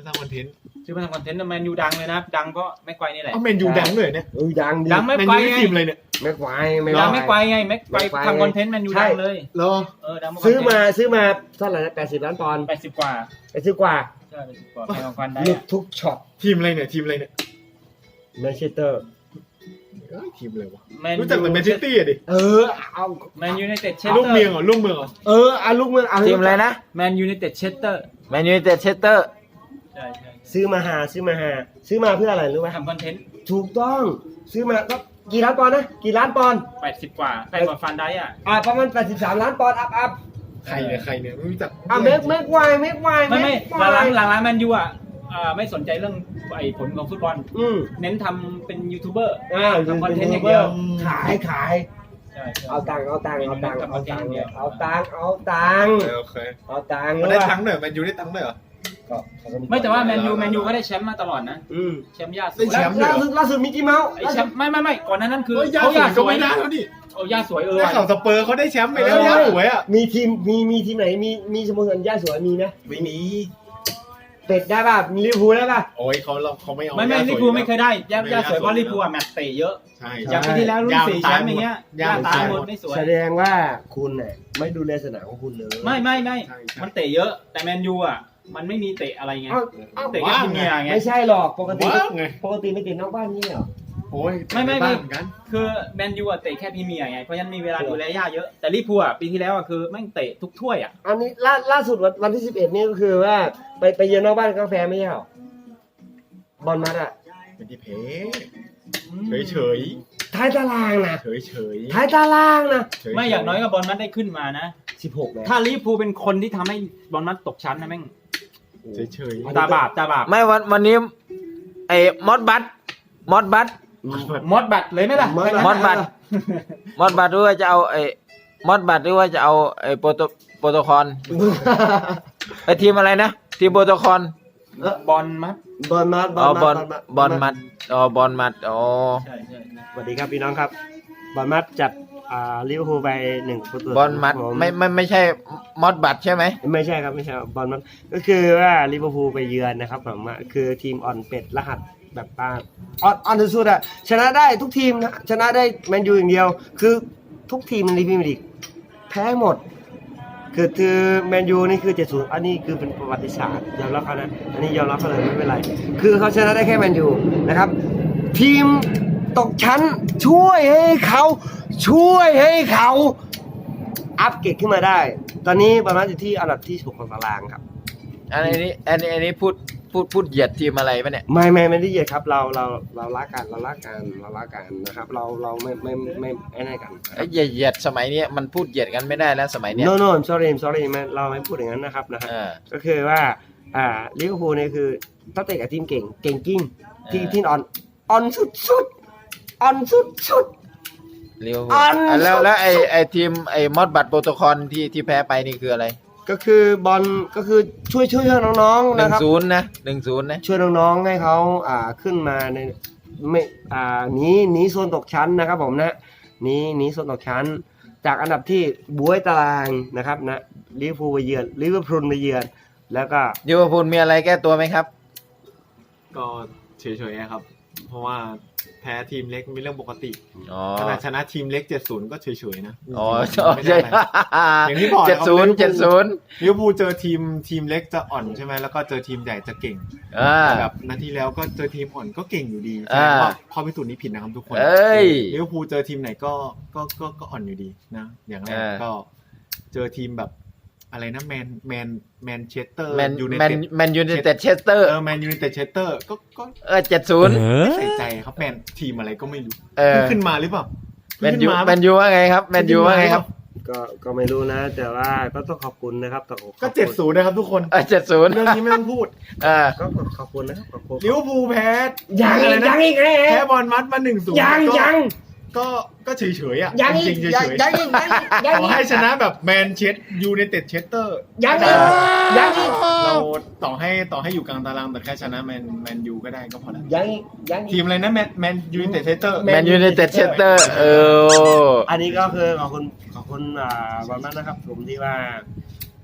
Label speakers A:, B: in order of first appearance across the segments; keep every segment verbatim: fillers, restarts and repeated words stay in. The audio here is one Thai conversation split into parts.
A: มาสร้างคอนเทนต์
B: ซื้อมาทำคอนเทนต์แมนยูดังเลยนะดังเพราะแม็กไกวนี่แหละ
A: เอาแมนยูดังเลยเนี่ย
C: เออดังดิ
B: ดังไม่
A: แมน
B: ไกว
A: ยู
B: ไง
A: ทีมเลยเนี่ย
C: แม็กไกวไม่
B: ดังแม็กไกวไงแม็กไกวทำคอนเทนต์แมนยูดังเลย
A: เหรอ
B: เออดัง
C: ซื้อมาซื้อมาเท่าไหร่นะแปดสิบล้านปอนด์
B: แปดสิบกว่า
C: ไปซื้อกว่า
B: ใช่แปดสิบกว่าแพงกว่าได้
C: หลุดทุกช็อต
A: ทีมอะไรเนี่ยทีมอะไรเนี่ย
C: แมนเชสเตอร์
A: เอ้ยทีมอะไรวะ
B: แมน
A: รู้จักแต่แมนซิตี้อะดิ
C: เออเอา
B: แมนยูไนเต็ดเชสเตอร์
A: ลูกเมียงเหรอลูกเมืองเหรอ
C: เออเอาลูกเมืองเอา
D: ทีมอะไรนะ
B: แมนยูไนเต็ดเชสเตอร์
D: แมนยูไนเต็ดเชสเตอร์
B: ใช่ใช่
C: ซื้อมาหาซื้อมาหาซื้อมาเพื่ออะไรรู้ไหม
B: ทำคอนเทนต์
C: ถูกต้องซื้อมาก็กี่ล้านปอนด์นะกี่ล้านปอนด์
B: แปดสิบกว่าแพงกว่าฟันได้อ่ะ
C: อ่าประมาณแปดสิบสามล้านปอนด์อัพอัพ
A: ใครเนี่ยใครเนี่ยไม่รู้จัก
C: อ่าเมกเมกไวเมกไว
B: ไม่ไม่
C: เก
B: หลัง
C: ไว
B: หลังหลังแมนยูอ่ะอ่าไม่สนใจเรื่องไอ้ผลของฟุตบอล
C: อืม
B: เน้นทำเป็นยูทูบเบอร์
C: อ่า
B: ทำคอนเทนต์อย่างเดียว
C: ขายขาย
B: ใช่ใช่
C: เอาตังค์เอาตังค์เอาตังค์
B: ทำค
C: เอา
B: อนเทน
C: ตั
B: ต์
C: ง
B: อ
C: ค์
B: ย่างเดียว
C: เอาตังค์เอาตังค์
A: โอเค
C: เอาตังค์
A: มันได้
C: รู้
A: ตั
C: ป่ะ
A: งค์ด้วยแมนยูได้ตังค์ด้วยเหรอ
C: ก็เขาก็
B: ไม่แต่ว่าแมนยูแมนยูก็ได้แชมป์มาตลอดนะ
C: อืม
B: แชมป์ยาส
A: ได้
B: วย
A: แชมป์
C: ล่าสุดล่าสุดมิกกี้เมาส์
B: ไอ้แชมป์ไม่ไม่ไม่ก่อนหนานั้นคือ
A: เฮ้ยยา
B: เขา
A: สวย
B: ยาส
A: ก็
B: วย
A: ไม่ได้แล้วดิ
B: เอายาสวยเออ
A: ได้
B: ว่ะ
A: ข่าวสเปอร์เขาได้แชมป์ไปแล้วยาสวยอ่ะ
C: มีทีมมีมีทีมไหนมีมีสโมสรย่าสวยมีไหม
A: ไม่มี
C: เป็ดได้ป่ะมีลิเวอร์พูลได้ป่ะ
A: โอ้ยเขาเราเขาไม่เอา
B: ไม่ไม่
A: ย่าส
B: ลิ
A: วย
B: เวอร์พูลไม่เคยได้ยา
A: ไม่
B: ยาสวย
A: ยาสวย
B: เพราะลิเวอร์พูลอะแมตช์เตะเยอะ
A: ใช่
B: อย่างปีที่แล้วรุ่นสี่แชมป์อย่างเงี้ย
A: ย่า
B: ย่า
A: ตา
B: ตาย ย
A: ห
B: ห
A: ม
B: ม
A: ด
B: ดไม่สวย
C: แสดงว่าคุณเนี่ยไม่ดูแลสนามของคุณเลย
B: ไม่ไม่ไม่
A: ใช่ใช่
B: มันเตะเยอะ แต่แมนยูอ่ะมันไม่มีเตะอะไรไง
C: เอ้าเอ้า
B: เตะแค่พรีเมียร์ไง
C: ไม่ใช่หรอกปกติ
A: ว้าวไง
C: ปกติไม่ติดนอกบ้านนี่เหรอ
A: โอ้ย
B: ไม่ไม่
A: บ้า
B: ไม่
A: นเหมือนกัน
B: คือแมนยูอ่ะเตะแค่พรีเมียร์ไงเพราะฉะนั้นมีเวลาดูแลย่าเยอะแต่ลิเวอร์พูลอ่ะปีที่แล้วอ่ะคือแม่งเตะทุกถ้วยอ่ะ
C: อันนี้ล่าล่าสุดวันวันที่สิบเอ็ดนี่ก็คือว่าไปไปเยือนนอกบ้านกาแฟไม่ใช่เหรอบอลมัดอะ
A: เป็นที่เพเฉยเฉย
C: ท้ายตารางนะ
A: เฉยเฉย
C: ท้ายตารางนะ
B: ไม่อย่างน้อยก็บอลมัดได้ขึ้นมานะ
C: สิบหกเลย
B: ถ้าลิเวอร์พูลเป็นคนที่ทำให้บอลมัดตกชั้นนะแม่ง
A: เฉยเฉย
B: ตาบาปตาบาป
D: ไม่วันวันนี้ไอ้มอดบัตมอดบัต
B: มดบัตรเลยไหมล่ะ
D: มอดบัตมอดบัตหรือว่าจะเอาไอ้มอดบัตหรือว่าจะเอาไอ้โปรโตโปรโตคอลไอ้ทีมอะไรนะทีมโปรโตคอล
B: บอลมัด
C: บอลมัด
D: อ๋อบอลบอลมัดอ๋อบอลมัดอ๋อ
B: ใช่ใช่ใช่
C: สวัสดีครับพี่น้องครับบอลมัดจัดอ่าลิเวอร์พูลไปหนึ่งประตู
D: บอลมัดไม่ไม่ไม่ใช่มอดบัตใช่ไหม
C: ไม่ใช่ครับไม่ใช่ครับบอลมัดก็คือว่าลิเวอร์พูลไปเยือนนะครับผมว่าคือทีมอ่อนเป็ดรหัสแบบป้าอ่อนอ่อนสุดๆอะชนะได้ทุกทีมนะชนะได้แมนยูอย่างเดียว คือทุกทีมในพรีเมียร์ลีกแพ้หมด คือคือแมนยูนี่คือเจ็ดศูนย์อันนี้คือเป็นประวัติศาสตร์ยอมรับเขานะอันนี้ยอมรับเขาเลยไม่เป็นไรคือเขาชนะได้แค่แมนยูนะครับทีมตกชั้นช่วยให้เขาช่วยให้เขาอัพเกรดขึ้นมาได้ ตอนนี้ประมาณอยู่ที่อันดับที่หกของตารางครับ
D: อันนี้อันนี้อันนี้พูดพูดพูดเหยียดทีมอะไรปะเนี่ย
C: ไม่ไม่ไม่ได้เหยียดครับเราเราเรารักกันเรารักกันเรารักกันนะครับเราเราไม่ไม่ไม่ไอ้นั่นกัน
D: ไอ้เหยียดเหยียดสมัยนี้มันพูดเหยียดกันไม่ได้แล้วสมัยเนี้ย
C: no no I'm sorry I'm sorry ไม่เราไม่พูดอย่างนั้นนะครับนะฮะ
D: เออ
C: ก็คือว่าอ่าลิเวอร์พูลเนี่ยคือตั้งแต่กับทีมเก่งเก่งกิ้งทีม
D: เออ
C: ที่อ่อนอ่อนสุดสุดอ่อนสุดสุด
D: เรียว
C: อัน
D: อ่ะแล้วแล้วไอ้ไอ้ทีมไอ้มอดบัตโปรโตคอลที่ที่แพ้ไปนี่คืออะไร
C: ก็คือบอลก็คือช่วยช่วยน้องๆ
D: หนึ่
C: นะ
D: ง
C: ครับ
D: ศูนย์นะหนึ่งศูนย์นะ
C: ช่วยน้องๆให้เขาอ่าขึ้นมาในไม่อ่าหนีหนีโซนตกชั้นนะครับผมนะหนีหนีโซนตกชั้น จากอันดับที่บวยตารางนะครับนะลิเวอร์พูลไปเยือนลิเวอร์พูลไปเยือนแล้วก็
D: ลิเวอร์พูลมีอะไรแก้ตัวไหมครับ
A: ก็เฉยเฉยครับ เพราะว่าแพ้ทีมเล็กเป็นเรื่องปกติ
D: อ๋อ
A: ขนาดชนะทีมเล็กเจ็ดศูนย์ก็เฉยเฉยนะ
D: อ๋อ
A: ไม่
D: ใช่
A: ได้อะไรอย่างที่บอก
D: เจ็ดศูนย์เจ็ดศูนย์
A: ลิเวอร์พูลเจอทีมทีมเล็กจะอ่อนใช่ไหมแล้วก็เจอทีมใหญ่จะเก่ง
D: อ่า
A: แบบนัดที่แล้วก็เจอทีมอ่อนก็เก่งอยู่ดีแส
D: อ่า
A: ดงว่าข้อพิสูจน์นี้ผิดนะครับทุกคน
D: เอ้ย
A: ลิเวอร์พูลเจอทีมไหนก็ก็ก็ก็อ่อนอยู่ดีนะอย่างแรก
D: อ่า
A: ก็เจอทีมแบบอะไรนะแมนแมนแมนเชสเตอร์
D: แมน
A: ยูไน
D: แมน
A: เต็ด
D: แมนยูไนเต็ดเชสเตอร์
A: เออแมนยูไนเต็ดเชสเตอร์ก็ก็
D: เออเจ็ดศูนย์
A: ไม่ใส่ใจครับแมนทีมอะไรก็ไม่รู้
D: เออ
A: เพิ่งขึ้นมาหรือเปล่า
D: แมนยู
A: เพิ่งขึ้า
D: แมนยูว่าไงครับแมนยูว่าไงครับ
C: ก็ก็ไม่รู้นะ แต่ว่าก็ต้องขอบคุณนะครับต้องขอบคุณ
A: ก็เจ็ดศูนย์นะครับทุกคน
D: เออเจ็ดศูนย์
A: เรื่องนี้ไม่ต้องพูด
D: อ่า
C: ก็ขอบคุณนะครับขอบคุณ
A: ลิเวอร์พูลแพ้
C: ยัง
A: อะไร
C: อีก
A: นะ
C: ยังอีกแห
A: แพ้
C: ม
A: บอลมัดมาหนึ่งศูนย์
C: ยังยัง
A: ก็ก็เฉยเฉยๆอ่ะ
C: ยัง
A: จ
C: อี
A: ริ
C: ก
A: งๆเฉย
C: ยัง
A: เฉย
C: ยังอีกยังอีกยัง
A: ขอ
C: อีก
A: ให้ชนะแบบแมนเชสยูไนเต็ดเชสเตอร์
C: ยังอีกยังอีก
A: เราต่อให้ต่อให้อยู่กลางตารางแต่แค่ชนะแมนแมนยูก็ได้ก็พอแล้ว
C: ยังอีกยังอี
A: ที
C: ก
A: มอะไรนะแมนแมนยูไนเต็ดเชสเตอร์
D: แมนยูไนเต็ดเชสเตอร์เออ
C: อันนี้ก็คือขอบคุณขอบคุณอ่าบอลมัดนะครับผมที่ว่าไป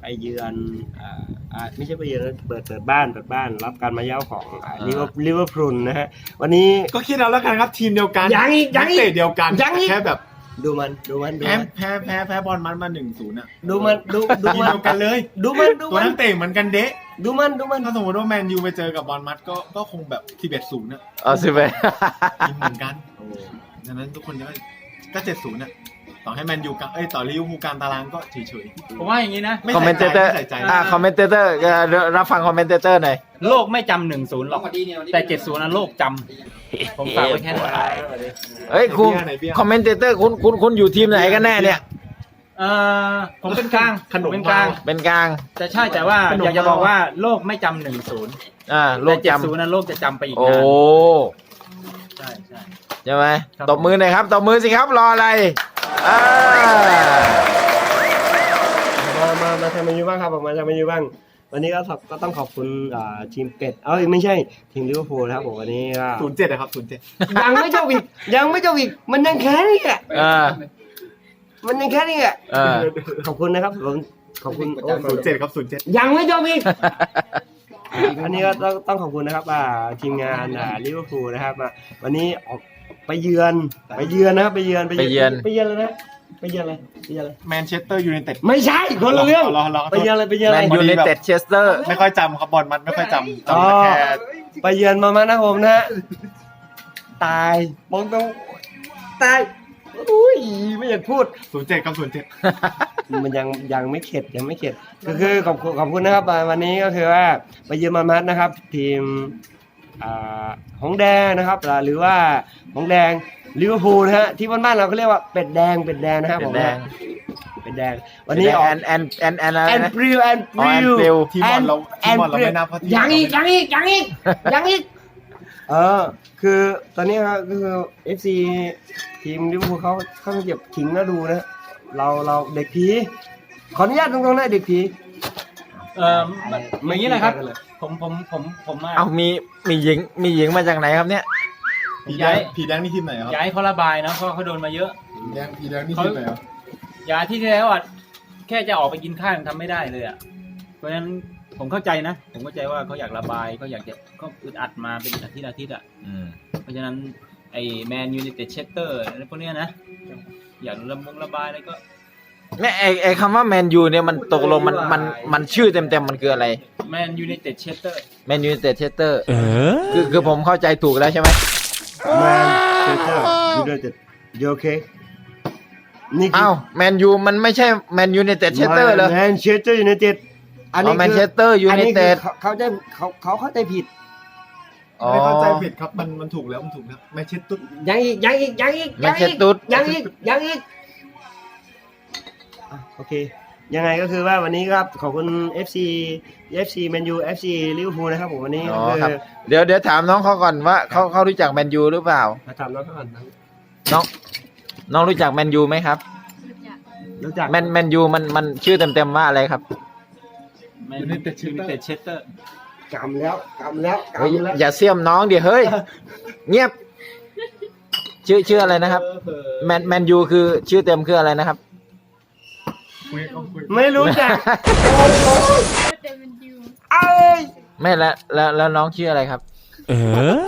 C: เยือนอ่าอ่าไม่ใช่ไปเยือนนะเปิดเปิดบ้านเปิดบ้านรับการมาเย้าของลิเวอร์ลิเวอร์พูลนะฮะวันนี้
A: ก็คิดเอาแล้วกันครับทีมเดียวกัน
C: ยังอีกยังอีก
A: นัเตะเดียวกัน
C: ยังอีก
A: แค่แบบ
C: ดูมันดูมันดู
A: แพ้
C: มัน
A: แพ้แพ้แพ้บอลมันมาหนึ่งศูนย์อ่ะ
C: ดูมันดูดู
A: ทีม
C: มัน
A: เดียวกันเลย
C: ดูมันดู
A: ตัว
C: มัน
A: นักเตะเหมือนกันเดะ
C: ดูมันดูมัน
A: ถ้าสมมติว่าแมนยูไปเจอกับบอลมัดก็ก็คงแบบสิบเอ็ดศูนย์อ่ะ
D: เอาสิไป
A: ทีมเหมือนกันดังนั้นทุกคนก็ก็เจ็ดศูนย์อ่ะต่อให้แมนยูกับเอ้ยต่อลิเวอร์พูลกลางตารางก็เฉย
B: ผมว่าอย่างนี้นะ
A: ๆไม่
D: คอมเม
A: ใส่
D: น
A: ใจ
D: เตอร์
A: ไม่ใส่ใจ
D: อ่าคอมเมนเตอร์รับฟังคอมเมนเตอร์หน่อย
B: โลกไม่จำหนึ่งศูนย์หรอกแต่เจ็ดศูนย์นั้นโลกจำผมฝากไว้แค่นั้น
D: เฮ้ยคุณคอมเมนเตอร์คุณคุณคุณอยู่ทีมไหนกันแน่เนี่ย
B: เอ่อผมเป็นกลาง
A: ขนม
B: เป็นกลาง
D: เป็นกลาง
B: แต่ใช่แต่ว่าอยากจะบอกว่าโลกไม่จำหนึ่งศูนย์
D: อ่าโล
B: แต่
D: ก
B: เจ็ด
D: จำ
B: ศูนย์นั้นโลกจะจำไปอีก
D: โอ้
B: นานใช่ใช่
D: ใช่ไหม
B: ครับ
D: ตบมือหน่อยครับตบมือสิครับรออะไรอ่า
C: มามามาทำมันอยู่บ้างครับผมมาทำมันอยู่บ้างวันนี้ก็ขอบก็ต้องขอบคุณอ่าทีมเป็ดเอ้ยไม่ใช่ทีมลิเวอร์พูลนะครับผมวันนี้ก็
A: ศูนย์เจ็ดนะครับศูนย์เจ็ด
C: ยังไม่จบอีกยังไม่จบอีกมันยังแค่นี้อ่ะ
D: อ่า
C: มันยังแค่นี้อ่ะ
D: อ่า
C: ขอบคุณนะครับผมขอบคุณโอ้
A: ศูนย์เจ็ดครับศูนย์เจ็ด
C: ยังไม่จบอีก อันนี้ก็ต้องต้องขอบคุณนะครับอ่าทีมงานอ่าลิเวอร์พูลนะครับมาวันนี้ออกไปเยือนไปเยือนนะครับไปเยือน
D: ไปเยือน
C: ไปเยือนเลยนะไปเยือนอะไรไปเยือนอะไร
A: แมนเชสเตอร์ยูไนเต็ด
C: ไม่ใช่คนละเรื่อง
A: รอรอ
C: ไปเยือนอะไรไปเยือน
D: แม
C: อะไร
D: นยูไนเต็ดเชสเตอร์
A: ไม่ค่อยจำครับบอลมันไม่ค่อยจำ
C: อ๋อ
A: จำแค่
C: ไปเยือนมามานะผมนะฮะตายมองตรงตายอุ้ยไม่อยากพูด
A: ศูนย์เจ็ดครับศูนย์เจ็ด
C: มันยังยังไม่เข็ดยังไม่เข็ดก็คือขอบคุณขอบคุณนะครับวันนี้ก็คือว่าไปเยือนมามัดนะครับ ทีมอ่าหงแดงนะครับหรือว่าหงแดงลิเวอร์พูลนะฮะที่บ้านๆเราก็เรียกว่าเป็ดแดงเป็ดแดงนะครับ
D: เป็
C: ผ
D: ด
C: ม
D: แดง
C: เป็ดแดงวันนี้ออก
D: แอนแอนแอนแอนอะไร
C: แอน
D: นะ
C: ปริวแอนป
D: อ๋อ
C: ริ
D: แอน
C: ว
D: ปลิว
A: ทีมบอลเราทีมบอลเราไม่นับเพราะทีม
C: ยังอีกยังอีกยังอีกยังอีกเออคือตอนนี้ครับก็คือ เอฟ ซี ทีมลิเวอร์พูลเขาเขาเก็บขิงแล้วดูนะเราเราเด็กผีขออนุญาตตรงๆนะเด็กผี
B: เอ่ออย่างนี้นะครับ ผมผมผมผมมา
D: เอามีมีหญิงมีหญิงมาจากไหนครับเนี่ย
A: ผีแดงผีแดงนี่ทีมไหนครับ
B: ย้ายเขาระบายนะเพราะเขาโดนมาเยอะ
A: ผีแดงผีแดงนี่ทีมไหนครับ
B: ยาที่แล้วอ่ะแค่จะออกไปกินข้าวยังทำไม่ได้เลยอ่ะเพราะฉะนั้นผมเข้าใจนะ ผมเข้าใจว่าเขาอยากระบายเขาอยากจะเขาอึดอัดมาเป็นอาทิตย์อาทิตย์อ่ะ
D: อืม
B: เพราะฉะนั้นไอ้แมนยูไนเต็ดเชสเตอร์อะไรพวกเนี้ยนะอยากระบงระบายอะไรก็
D: เนี่ยไอไอคำว่าแมนยูเนี่ยมันตกลงมันมันมันชื่อเต็มเต็มๆมันคืออะไร
B: แมนยูไนเต็ดเชสเตอร์
D: แมนยูไนเต็ดเชสเตอร์คือคือผมเข้าใจถูกแล้วใช่ไหม
C: แมนเชสเตอร์ยูไนเต็ดยูโอเคนี่คื
D: อ้าวแมนยูมันไม่ใช่แมนยูไนเต็ดเชสเตอร์เหรอ
C: แมนเชสเตอร์ยูไนเต็ดอันนี้
D: อ๋อ Manchester
C: อันนี้คือ
D: United
C: เขาเขาใจเขาเขาเข้าใจผิด
D: อ๋อ
A: ไม่เข้าใจผิดครับมันมันถูกแล้วมันถูกแล้วแมนเชสเตอร์
C: ยังอีกยังอีกยังอีก
D: แมนเชสเตอร์
C: ยังอีกยังอีกอ่ะโอเค ยังไงก็คือว่าวันนี้ครับขอบคุณ เอฟ ซี เอฟ ซี แมนยู เอฟ ซี ลิเวอร์พูลนะครับผมวันนี้
D: อ๋
C: ก็
D: อ
C: คือ
D: ครับเดี๋ยวเดี๋ยวถามน้องเขาก่อนว่าเขาเขารู้จักแมนยูหรือเปล่า
C: มาถามน้องก่อนนะ
D: น้องน้องรู้จักแมนยูไหมครับ
C: รู้จัก
D: แมนแมนยูมันมันชื่อเต็มเต็มๆว่าอะไรครับ
B: แมนยูไนเต็ดยูไนเต็ดเชสเตอร์
C: กำแล้วกำแล้ว
D: เฮ้ย
C: กำแล้ว
D: อย่าเสียมน้องเดี๋ยวเฮ้ย เงียบ ชื่อชื่ออะไรนะครับแมนแมนยูคือชื่อเต็มคืออะไรนะครับ
A: คุยก็คุย
C: ไม่รู้จัก
E: แต่มันอยู่
C: เอ้ย
D: ไม่แล้วแล้วแล้วน้องชื่ออะไรครับ เออ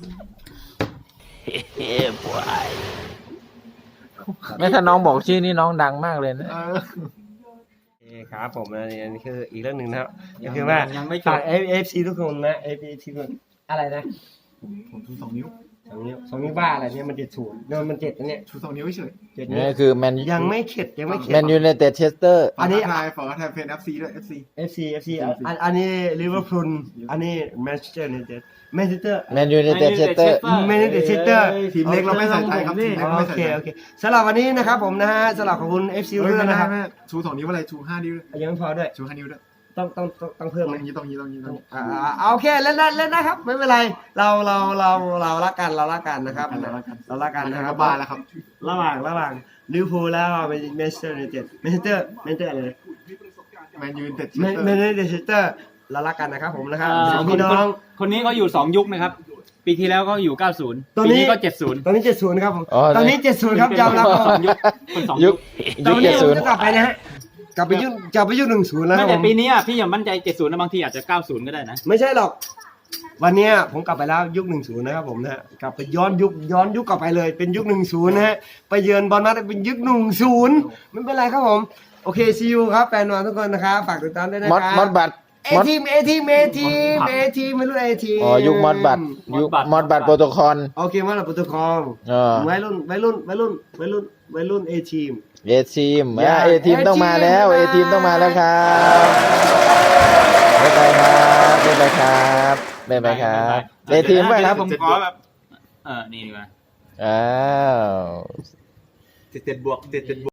D: ไม่ถ้าน้องบอกชื่อนี่น้องดังมากเลยนะ
A: เออ
C: โอเคครับผมอันนี้อันนี้คืออีกเรื่องหนึ่งนะครับก็คือว่า
B: ยังไม่จ
C: ฝา
B: บ
C: ก เอฟ ซี ทุกคนนะ เอฟ ซี ทุกคนอะไรนะ
A: ผมชูสองนิ้ว
C: สองนิ้วสองนิ้วบ้าอะไรเนี่ยมันเจ็ดศูนย์เนี่ยมันเจ็ดนะเนี่ย
A: ชูสองนิ้วเฉย
C: เจ็ดนิ้ว
D: นี่คือแมน
C: ยังไม่เข็ดยังไม่เข็ด
D: แมนยูไนเต็ดเชสเตอร์
A: ๆ
C: อันนี้
A: ฝากทักทายฝากทักทายเพนเอฟซีด้วยเอฟซี
C: เอฟ ซี เอฟ ซี อันอันนี้ลิเวอร์พูลอันนี้แมนเชสเตอร์ยูไนเต็ดแมนเชสเตอร์
D: แมนยูไนเต็ดเชสเตอร์
C: แมนเชสเตอร์
A: ทีมเล็กเราไม่ใส่ใจครับทีมเล็ก
C: โอ
A: ไม่ใส่
C: เค
A: ใจ
C: โอเคสำหรับวันนี้นะครับผมนะฮะสำหรับขอบคุณ เอฟ ซี
A: เฮ้
C: ทุ
A: ย
C: กท่าน
A: ไม่ได้
C: นะครับ
A: ไม่ได้ชูสองนิ้วอะไรชูห้านิ้วด้วย
C: ยังไม่พอด้วย
A: ชูห้านิ้วด้วย
C: ต้องต้องต้องต้องเพิ่ม
A: ต
C: ไหม
A: รงนี้ตรงนี้ตรงนี้ตรงนี้
C: อ่าอ่าโอเคเล่นได้เล่นได้ครับ ไม่เป็นไร เราเราเราเรารักกันเรารักกันนะครับ
A: เรารักกัน
C: เรารักกันนะค
A: ค
C: รั
A: รั
C: บบ
A: บ้านแล้วครับ
C: ระหว่างระหว่างลิเวอร์พูลแล้วแมนเชสเตอร์ยูไนเต็ดแมนเชสเตอร์แมนเชสเตอร์อะไร
A: แมนยูไนเต็ด
C: แมนแมนเชสเตอร์เรารักกันนะครับผมนะครับ
B: เอ่อ
C: สอง
B: ค
C: พี่
B: น
C: น้
B: ค
C: อน ง
B: คนนี้เขาอยู่สองยุคนะครับ ปีที่แล้วเขาอยู่เก้าสิบ
C: ตอน
B: ปี
C: นี้
B: นี้ก็เจ็ดสิบ
C: ตอนนี้เจ็ดศูนย์ครับผม
D: อ๋อ
C: ตอนนี้เจ็ดศูนย์ครับยอมรับ
B: คนสองยุคคนสอง
D: ยุ
B: ยุ
D: ค
B: ค
C: ตอน
D: ยุค
C: นี้
D: เจ็ดศูนย์
C: จะกลับไปนะฮะกลับไปยุคกลับไปยุคหนึ่งศูนย์แล้วค
B: ไม่
C: รับผ
B: แต่
C: ม
B: ปีนี้อ่ะพี่ยังมั่นใจเจ็ดศูนย์นะบางทีอาจจะเก้าศูนย์ก็ได้นะ
C: ไม่ใช่หรอก วันเนี้ยผมกลับไปแล้วยุคหนึ่งศูนย์นะครับผมนะฮะกลับไปย้อนยุคย้อนยุคกลับไปเลยเป็นยุคหนึ่งศูนย์นะฮะไปเยือนบอลมัดเป็นยุคหนึ่งศูนย์ไม่เป็นไรครับผมโอเคซีอูครับแฟนบอลทุกคนนะครับฝากติดตามด้วยนะ
D: มอด
C: ครับ
D: มอดบัตร
C: เอ
D: มอด
C: ทีมเอทีมเอทีมเอทีมไม่รู้เอทีม
D: อ๋อยุคมอดบัตรยุคมอดบัตรโปรโตคอล
C: โอเคมอดบัตรโปรโตคอล
D: เออ
C: วัยรุ่นวัยรุ่นวัยรุ่นวัยรุ่นวัยรุ่นเอทีม
D: เอทีม
C: อย่า
D: เอทีม
C: A-team
D: ต้องมาแล้ว
C: บ๊า
D: เอย
C: บาย
D: ทีมต้องมาแล้วครับบ๊ายบายครับบ๊ายบายครับบ๊ายบายครับเอทีมป่ะครับ
B: ผมขอแบบเออนี่ดีกว่า
D: อ้าว
A: เจ็ดเจ็ดบวกเจ็ดเจ็ดบวก